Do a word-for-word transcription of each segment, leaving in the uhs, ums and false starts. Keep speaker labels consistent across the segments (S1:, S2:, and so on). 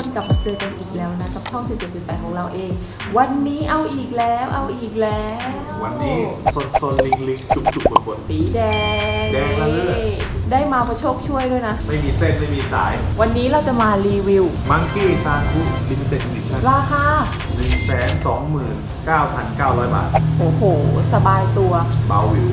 S1: กลับมาเจอกันอีกแล้วนะกับช่อง สิบเจ็ดจุดแปด ของเราเองวันนี้เอาอีกแล้วเอาอีกแล้ว
S2: วันนี้โซนโซนลิงลิงจุกจุกบนบน
S1: สีแดง
S2: แดงละเลือด
S1: ได้มาประโชคช่วยด้วยนะ
S2: ไม่มีเส้นไม่มีสาย
S1: วันนี้เราจะมารีวิว
S2: มังกี้ซาคุลิมิเต็ดอีดิชั่น
S1: ราคา
S2: หนึ่งแสนสองหมื่นเก้าพันเก้าร้อย บาท
S1: โอ้โหสบายตัว
S2: เบาวิว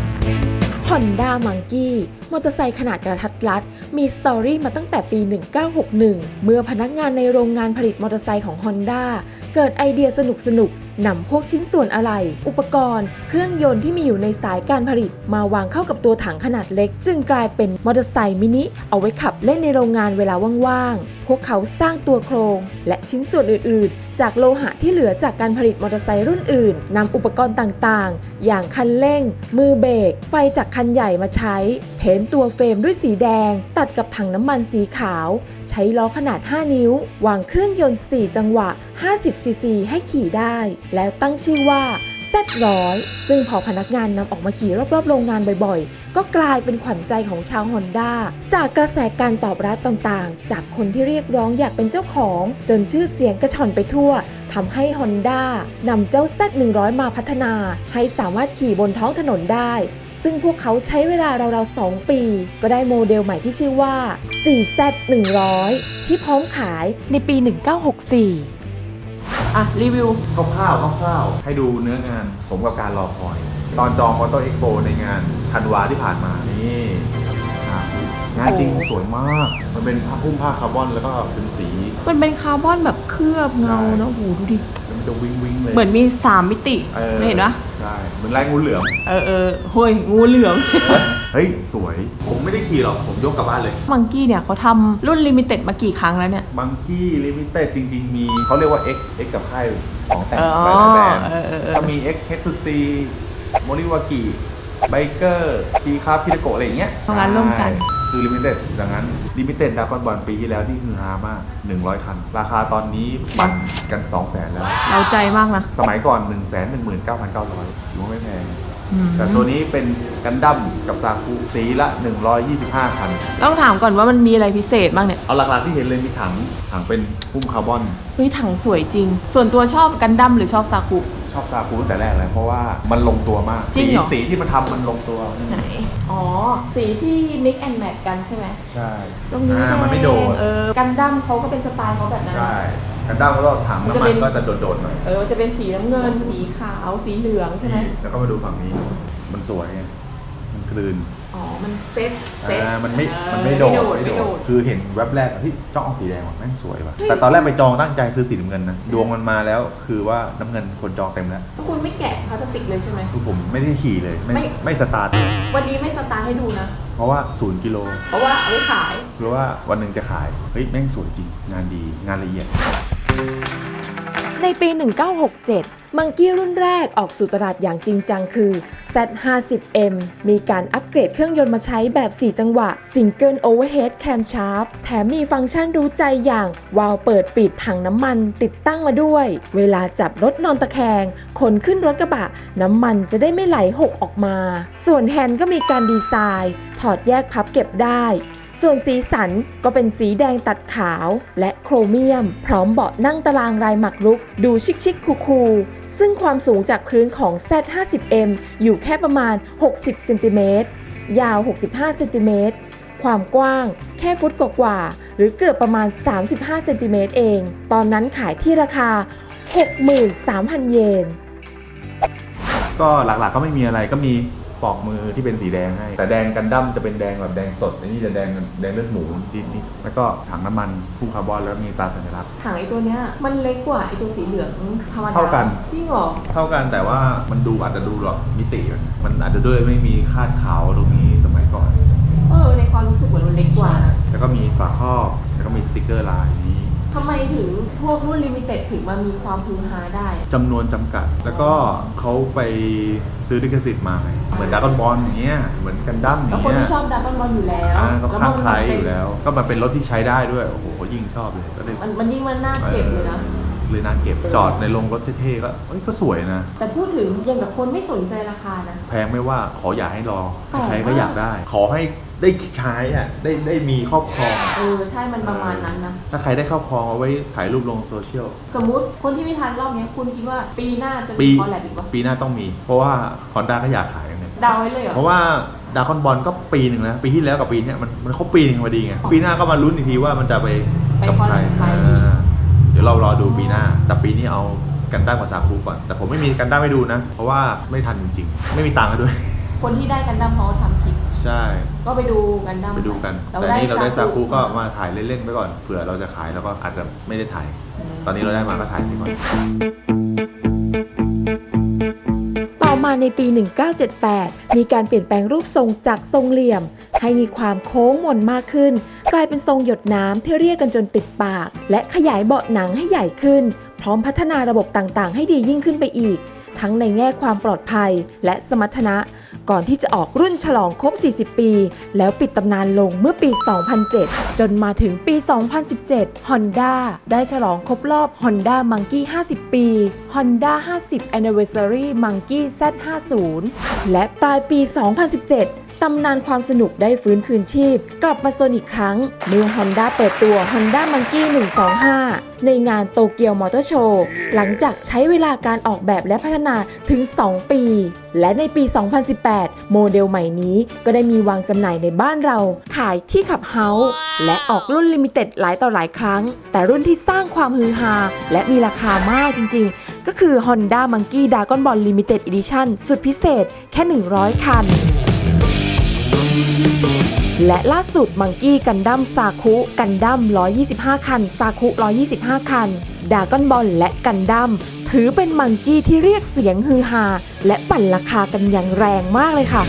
S3: Honda Monkey มอเตอร์ไซค์ขนาดกระทัดรัดมีสตอรี่มาตั้งแต่ปี หนึ่งเก้าหกหนึ่ง เมื่อพนักงานในโรงงานผลิตมอเตอร์ไซค์ของ Honda เกิดไอเดียสนุกๆนำพวกชิ้นส่วนอะไหล่อุปกรณ์เครื่องยนต์ที่มีอยู่ในสายการผลิตมาวางเข้ากับตัวถังขนาดเล็กจึงกลายเป็นมอเตอร์ไซค์มินิเอาไว้ขับเล่นในโรงงานเวลาว่างๆพวกเขาสร้างตัวโครงและชิ้นส่วนอื่นๆจากโลหะที่เหลือจากการผลิตมอเตอร์ไซค์รุ่นอื่นนำอุปกรณ์ต่างๆอย่างคันเร่งมือเบรกไฟจากคันใหญ่มาใช้เพ้นตัวเฟรมด้วยสีแดงตัดกับถังน้ำมันสีขาวใช้ล้อขนาดห้านิ้ววางเครื่องยนต์สี่จังหวะห้าสิบซีซีให้ขี่ได้แล้วตั้งชื่อว่า แซด หนึ่งร้อย ซึ่งพอพนักงานนำออกมาขี่รอบๆโรงงานบ่อยๆก็กลายเป็นขวัญใจของชาว Honda จากกระแสการตอบรับต่างๆจากคนที่เรียกร้องอยากเป็นเจ้าของจนชื่อเสียงกระชอนไปทั่วทำให้ Honda นำเจ้า แซด หนึ่งร้อย มาพัฒนาให้สามารถขี่บนท้องถนนได้ซึ่งพวกเขาใช้เวลาราวๆสองปีก็ได้โมเดลใหม่ที่ชื่อว่า โฟร์ แซด หนึ่งร้อย ที่พร้อมขายในปี หนึ่งเก้าหกสี่
S1: อ่ะรีวิว
S2: คร่าวๆคร่าวๆให้ดูเนื้องานสมกับการรอคอยตอนจองมอเตอร์เอ็กโปในงานธันวาที่ผ่านมานี่งานจริงสวยมากมันเป็นผ้าพุ่มผ้าคาร์บอนแล้วก็เป็นสี
S1: มันเป็นคาร์บอนแบบเคลือบเงานะโอ้โหดูดิ
S2: มันจะวิงวิงเลย
S1: เหมือนมีสามมิติเห็นปะ
S2: ใช่เหมือนลายงูเหลือม
S1: เออเออเฮ้ยงูเหลือม
S2: เฮ้ยสวยผมไม่ได้ขี่หรอกผมยกกลับบ้านเลย
S1: มังกี้เนี่ยเขาทำรุ่นลิมิเต็ดมากี่ครั้งแล้วเนี่ย
S2: มังกี้ลิมิเต็ดจริงๆมีเขาเรียกว่า X X กับค่ายของแต่งหลายแบรนด์ก็มี X เอช ทู ซี โมริวากิไบเกอร์ปีคาพิทโกะอะไรอย่างเงี้ย
S1: ทำงานร่วมกัน
S2: คือลิมิเต็ดดังนั้นลิมิเต็ดดาร์คบอลปีที่แล้วที่คือฮามากหนึ่งร้อยคันราคาตอนนี้ปั่นกันสองแสนแล้ว
S1: เราใจมากนะ
S2: สมัยก่อน หนึ่งแสนหนึ่งหมื่นเก้าพันเก้าร้อย ถือว่าไม่แพงแต่ตัวนี้เป็นกันดั้มกับซากุสีละหนึ่งร้อยยี่สิบห้าคัน
S1: ต้องถามก่อนว่ามันมีอะไรพิเศษบ้างเนี่ย
S2: เอาหลักๆที่เห็นเลยมีถังถังเป็นพุ่มคาร์บอน
S1: เฮ้ยถังสวยจริงส่วนตัวชอบกันดั้มหรือชอบซากุ
S2: ชอบซากุตั้งแต่แรกเลยเพราะว่ามันลงตัวมาก
S1: สี
S2: สีที่มันทำมันลงตัว
S1: ไหนอ๋อสีที่ mix and match กันใช่ไหม
S2: ใช่
S1: ตรงนี้
S2: มันไม่โดน
S1: เออกันดั้มเขาก็เป็นสไตล์เขาแบบนั้น
S2: ใช่กันดั้มก็ถังน้ำมันก็จะโดดๆหน่อย
S1: เออจะเป็นสีน้ำเงินสีขาวสีเหลืองใช่ไหม
S2: แล้วก็มาดูฝั่งนี้มันสวยมันกลืน
S1: อ๋อมันเซ็ตเซ็ต
S2: มันไม่มันไม่โดดไม่โดดคือเห็นแว็บแรกที่จ้องเอาสีแดงว่ะแม่งสวยว่ะแต่ตอนแรกไปจองตั้งใจซื้อสีน้ำเงินนะดวงมันมาแล้วคือว่าน้ำเงินคนจองเต็มแล้ว
S1: คุณไม่แกะพลาสติกเลยใช่ไหม
S2: คือผมไม่ได้ขี่เลยไม่ไม่สตาร์ท
S1: วันนี้ไม่สตาร์ทให้ดูนะ
S2: เพราะว่าศูนย์กิโล
S1: เพราะว่าเอาไว้ขาย
S2: เพราะว่าวันหนึ่งจะขายเฮ้ยแม่งสวยจริงงานดีงานละเอียด
S3: ในปี หนึ่งเก้าหกเจ็ด มังกี้รุ่นแรกออกสู่ตลาดอย่างจริงจังคือ แซด ห้าสิบ เอ็ม มีการอัปเกรดเครื่องยนต์มาใช้แบบสี่จังหวะ Single Overhead Camshaft แถมมีฟังก์ชันรู้ใจอย่างวาล์วเปิดปิดถังน้ำมันติดตั้งมาด้วยเวลาจับรถนอนตะแคงขนขึ้นรถกระบะน้ำมันจะได้ไม่ไหลหกออกมาส่วนแฮนด์ก็มีการดีไซน์ถอดแยกพับเก็บได้ส่วนสีสันก็เป็นสีแดงตัดขาวและโครเมียมพร้อมเบาะนั่งตารางลายหมากรุกดูชิคๆคูลๆซึ่งความสูงจากพื้นของ แซด ห้าสิบ เอ็ม อยู่แค่ประมาณหกสิบเซนติเมตรยาวหกสิบห้าเซนติเมตรความกว้างแค่ฟุตกว่าๆหรือเกือบประมาณสามสิบห้าเซนติเมตรเองตอนนั้นขายที่ราคา หกหมื่นสามพัน เยน
S2: ก็หลักๆก็ไม่มีอะไรก็มีปอกมือที่เป็นสีแดงให้แต่แดงกันดั้มจะเป็นแดงแบบแดงสดอันนี้จะแดงแดงเลือดหมูนิดนิดแล้วก็ถังน้ำมันพุ่งคาร์บอนแล้วมีตาสัญลักษณ์
S1: ถังไอตัวเนี้ยมันเล็กกว่าไอตัวสีเหลืองธรรมดา
S2: เท่ากัน
S1: จริงเหรอ
S2: เท่ากันแต่ว่ามันดูอาจจะดูหรอกมิติมันอาจจะด้วยไม่มีคาดขาวตรงนี้สมัยก่อน
S1: เออในความรู้สึกเหมือนมันเล็กกว่า
S2: แล้วก็มีฝาครอบแล้วก็มีสติ๊กเกอร์ลายนี้
S1: ทำไมถึงพวกรุ่นลิมิเต็ดถึงมามีความฮือฮาได้
S2: จำนวนจำกัดแล้วก็เขาไปซื้อลิขสิทธิ์มาเหมือนดราก้อนบอลอย่างเงี้ยเหมือนกันดั้มอย่างเงี้ย
S1: แล้วคนที่ชอบดราก้อนบอลอยู่แล้ว
S2: ก็ข้างใครอยู่แล้วก็มาเป็นรถที่ใช้ได้ด้วยโอ้โหยิ่งชอบเลยก็เลย
S1: มันมันยิ่งมันน่าเก็บเลยนะ
S2: เลยน่าเก็บจอดในโรงรถเท่ๆก็เอ้ยก็สวยนะ
S1: แต่พูดถึงยังกับคนไม่สนใจราคานะ
S2: แพงไม่ว่าขออย่าให้รอ
S1: แปลกมาก
S2: ใครก็อยากได้ ขอให้ได้ใช้อ่ะได้ได้มีครอบครอง
S1: เออใช่มันประมาณนั้นนะ
S2: ถ้าใครได้ครอบครองเอาไว้ถ่ายรูปลงโซเชียล
S1: สมมุติคนที่ไม่ทันรอบนี้คุณคิดว่าปีหน้าจะมี
S2: ปี
S1: คอลแลบอีกปะ
S2: ปีหน้าต้องมี เพราะว่า Honda ก็อยากขายไง
S1: เดาไว้เลยเหรอ
S2: เพราะว่าดาร์คอนบอลก็ปีหนึ่งแล้วปีที่แล้วกับปีนี้มันมันครบปีหนึ่งพอดีไงปีหน้าก็มาลุ้นอีกทีว่ามันจะไป
S1: ไป
S2: กับ
S1: คอล
S2: ใคร
S1: แลบใคร
S2: อ่าเดี๋ยวเรารอดูปีหน้าแต่ปีนี้เอากันดั้มกับซาคุก่อนแต่ผมไม่มีกันดั้มให้ดูนะเพราะว่าไม่ทันจริงๆไม่มีตังค์ด้วย
S1: คนที่ได้กันดั้มเขาทำคลิป
S2: ใช่
S1: ก็ไปดูกันดั้ม
S2: ไปดูกันแต่นี่เราได้ซาคุก็มาถ่ายเล่นๆไปก่อนเผื่อเราจะขายแล้วก็อาจจะไม่ได้ถ่ายตอนนี้เราได้มาก็ถ่ายไปก่อน
S3: ต่อมาในปี หนึ่งเก้าเจ็ดแปด มีการเปลี่ยนแปลงรูปทรงจากทรงเหลี่ยมให้มีความโค้งมนมากขึ้นกลายเป็นทรงหยดน้ำที่เรียกกันจนติดปากและขยายเบาะหนังให้ใหญ่ขึ้นพร้อมพัฒนาระบบต่างๆให้ดียิ่งขึ้นไปอีกทั้งในแง่ความปลอดภัยและสมรรถนะก่อนที่จะออกรุ่นฉลองครบสี่สิบปีแล้วปิดตำนานลงเมื่อปี สองพันเจ็ด จนมาถึงปี สองพันสิบเจ็ด Honda ได้ฉลองครบรอบ Honda Monkey ห้าสิบ ปี Honda ห้าสิบ Anniversary Monkey แซด ห้าสิบ และปลายปี สองพันสิบเจ็ด ตำนานความสนุกได้ฟื้นคืนชีพกลับมาโซนอีกครั้งเมื่อ Honda เปิดตัว Honda Monkey หนึ่งสองห้า ในงานโตเกียวมอเตอร์โชว์หลังจากใช้เวลาการออกแบบและพัฒนาถึง สอง ปี และในปี สองพันสิบแปด โมเดลใหม่นี้ก็ได้มีวางจำหน่ายในบ้านเราขายที่ขับเฮาส์และออกรุ่นลิมิเต็ดหลายต่อหลายครั้งแต่รุ่นที่สร้างความฮือฮาและมีราคามากจริงๆก็คือ Honda Monkey Dragon Ball Limited Edition สุดพิเศษแค่หนึ่งร้อยคันและล่าสุดมังกี้กันดั้มซาคุกันดั้มหนึ่งร้อยยี่สิบห้าคันซาคุหนึ่งร้อยยี่สิบห้าคันดราก้อนบอลและกันดั้มถือเป็นมังกี้ที่เรียกเสียงฮือฮาและปั่นราคากันอย่างแรงมากเลยค่ะ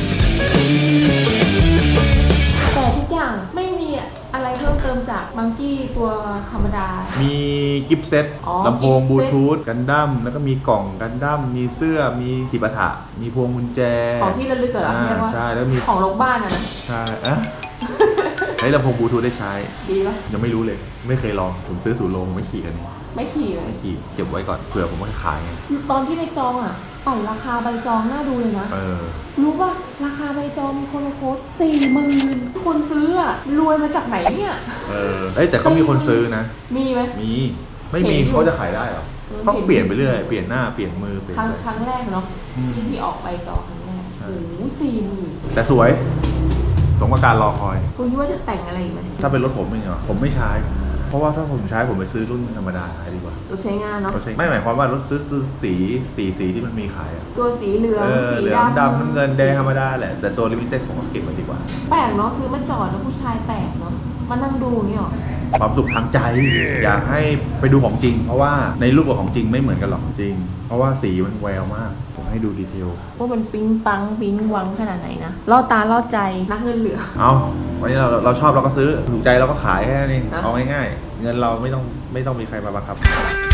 S1: แต่ทุกอย่างไม่มีอะไรเพิ่มเติมจากมังกี้ตัวธรรมดา
S2: มีกิฟต์เซ็ตลำโพงบลูทูธกันดั้มแล้วก็มีกล่องกันดั้มมีเสื้อมีจิปาถะมีพวงกุญแจ
S1: ของที่ระลึกเหรอเรียกว่า
S2: ใช่แล้วมี
S1: ของโรงบ้านอะนะ
S2: ใช่อะใช้ลำโพงบลูทูธได้ใช้
S1: ดีปะ
S2: ยังไม่รู้เลยไม่เคยลองผมซื้อสู่โรงไม่ขี่กัน
S1: ไม่ขี่เลย
S2: ไม่ขี่เก็บไว้ก่อนเผื่อผมจะขายไง
S1: ตอนที่ไปจองอ่ะปั่นราคาใบจองน่าดูเลยนะ
S2: เออ
S1: รู้ป่ะราคาใบจองมีคนมาโพสสี่หมื่นคนซื้ออ่ะรวยมาจากไหนเนี่ย
S2: เออเอ้ยแต่เขามีคนซื้อนะ
S1: มีไหม
S2: มีไม่มีเขาจะขายได้หรอต้องเปลี่ยนไปเรื่อยเปลี่ยนหน้าเปลี่ยนมือเปลี่ยน
S1: ครั้งครั้งแรกเนาะที่ที่ออกใบจองครั้งแรกโอ้โหสี่หมื่น
S2: แต่สวยสมกับการรอคอย
S1: คุณคิดว่าจะแต่งอะไรอีกไหม
S2: ถ้าเป็นรถผมเองเหรอผมไม่ใช้เพราะว่าถ้าผมใช้ผมไปซื้อรุ่นธรรมดาขายดีกว่าร
S1: ถใช้งานเนาะ
S2: ไม่หมายความว่ารถซื้อซื้อสีสีสีที่มันมีขายอะ
S1: ตัวสีเหลือง
S2: สีดำดำน้ำเงินแดงธรรมดาแหละแต่ตัวลิมิเต็ดผมก็เก็บมาดีกว่า
S1: แปลกเนาะซื้อมาจอดแล้วผู้ชายแปลกเนาะมานั่งดูอย่างเงี้ยหรอ
S2: ความสุขทางใจอยากให้ไปดูของจริงเพราะว่าในรูปกับของจริงไม่เหมือนกันหรอกจริงเพราะว่าสีมันแววมากผมให้ดูดีเทล
S1: ว่ามันปิ๊งปังปิ๊งวังขนาดไหนนะล่อตาล่อใจนักเงินเหลือ
S2: เอาวันนี้เราเราชอบเราก็ซื้อถูกใจเราก็ขายแค่นี้เอาง่ายๆเงินเราไม่ต้องไม่ต้องมีใครมาบังคับ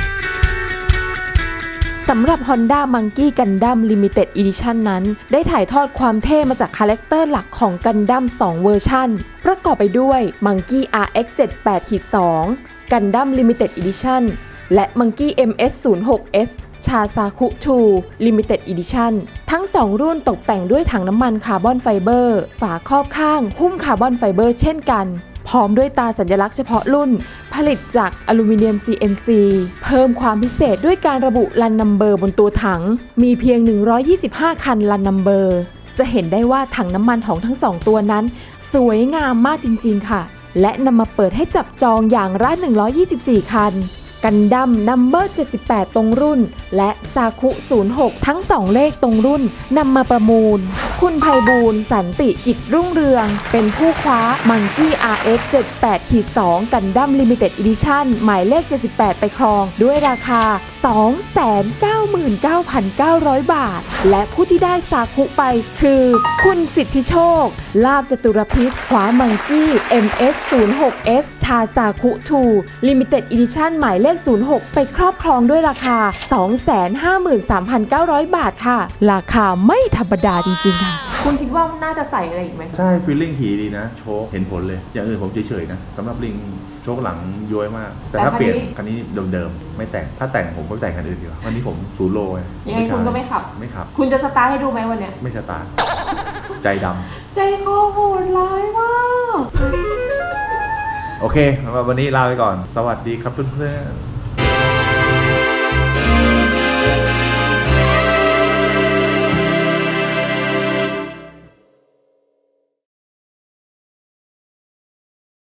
S3: สำหรับ Honda Monkey Gundam Limited Edition นั้นได้ถ่ายทอดความเท่มาจากคาแรคเตอร์หลักของ Gundam สองเวอร์ชันประกอบไปด้วย Monkey อาร์ เอ็กซ์ เจ็ดสิบแปด สอง Gundam Limited Edition และ Monkey เอ็ม เอส ศูนย์หก เอส ชาซาคุ ทู Limited Edition ทั้งสองรุ่นตกแต่งด้วยถังน้ำมันคาร์บอนไฟเบอร์ฝาครอบข้างหุ้มคาร์บอนไฟเบอร์เช่นกันพร้อมด้วยตาสัญลักษณ์เฉพาะรุ่นผลิตจากอลูมิเนียม ซี เอ็น ซี เพิ่มความพิเศษด้วยการระบุรันนัมเบอร์บนตัวถังมีเพียงหนึ่งร้อยยี่สิบห้าคันรันนัมเบอร์จะเห็นได้ว่าถังน้ำมันของทั้งสองตัวนั้นสวยงามมากจริงๆค่ะและนำมาเปิดให้จับจองอย่างละหนึ่งร้อยยี่สิบสี่คันกันดั้มนัมเบอร์เจ็ดสิบแปดตรงรุ่นและซาคุศูนย์หกทั้งสองเลขตรงรุ่นนำมาประมูลคุณไพบูลย์สันติกิจรุ่งเรืองเป็นผู้คว้า Monkey อาร์ เอ็กซ์ เจ็ดสิบแปด สอง Gundam Limited Edition หมายเลขเจ็ดสิบแปดไปครองด้วยราคา สองแสนเก้าหมื่นเก้าพันเก้าร้อย บาทและผู้ที่ได้ซาคุไปคือคุณสิทธิโชคลาภจตุรพิษคว้า Monkey เอ็ม เอส ศูนย์หก เอส ชาซาคุ ทู Limited Edition หมายเลขศูนย์หกไปครอบครองด้วยราคา สองแสนห้าหมื่นสามพันเก้าร้อย บาทค่ะราคาไม่ธรรมดาจริงๆค่ะ
S1: คุณคิดว่าน่าจะใส่อะไรอีกไหม
S2: ใช่ฟีลลิ่งขี่ดีนะ โชคเห็นผลเลย อย่างอื่นผมเฉยๆนะสำหรับลิงโชคหลังย้วยมาก แต่ถ้าเปลี่ยนคันนี้เดิมๆ ไม่แต่ง ถ้าแต่งผมก็แต่งคันอื่นดีกว่าวันนี้ผมศูนย์โลไง
S1: ยังไงคุณก็ไม่ขับ
S2: ไม่ขับ
S1: คุณจะสตาร์ทให้ดูไหมวันเนี้ย
S2: ไม่สตาร์ทใจดำ
S1: ใจคอโหดร้ายมาก
S2: โอเคสำหรับวันนี้ลาไปก่อน สวัสดีครับเพื่อนๆ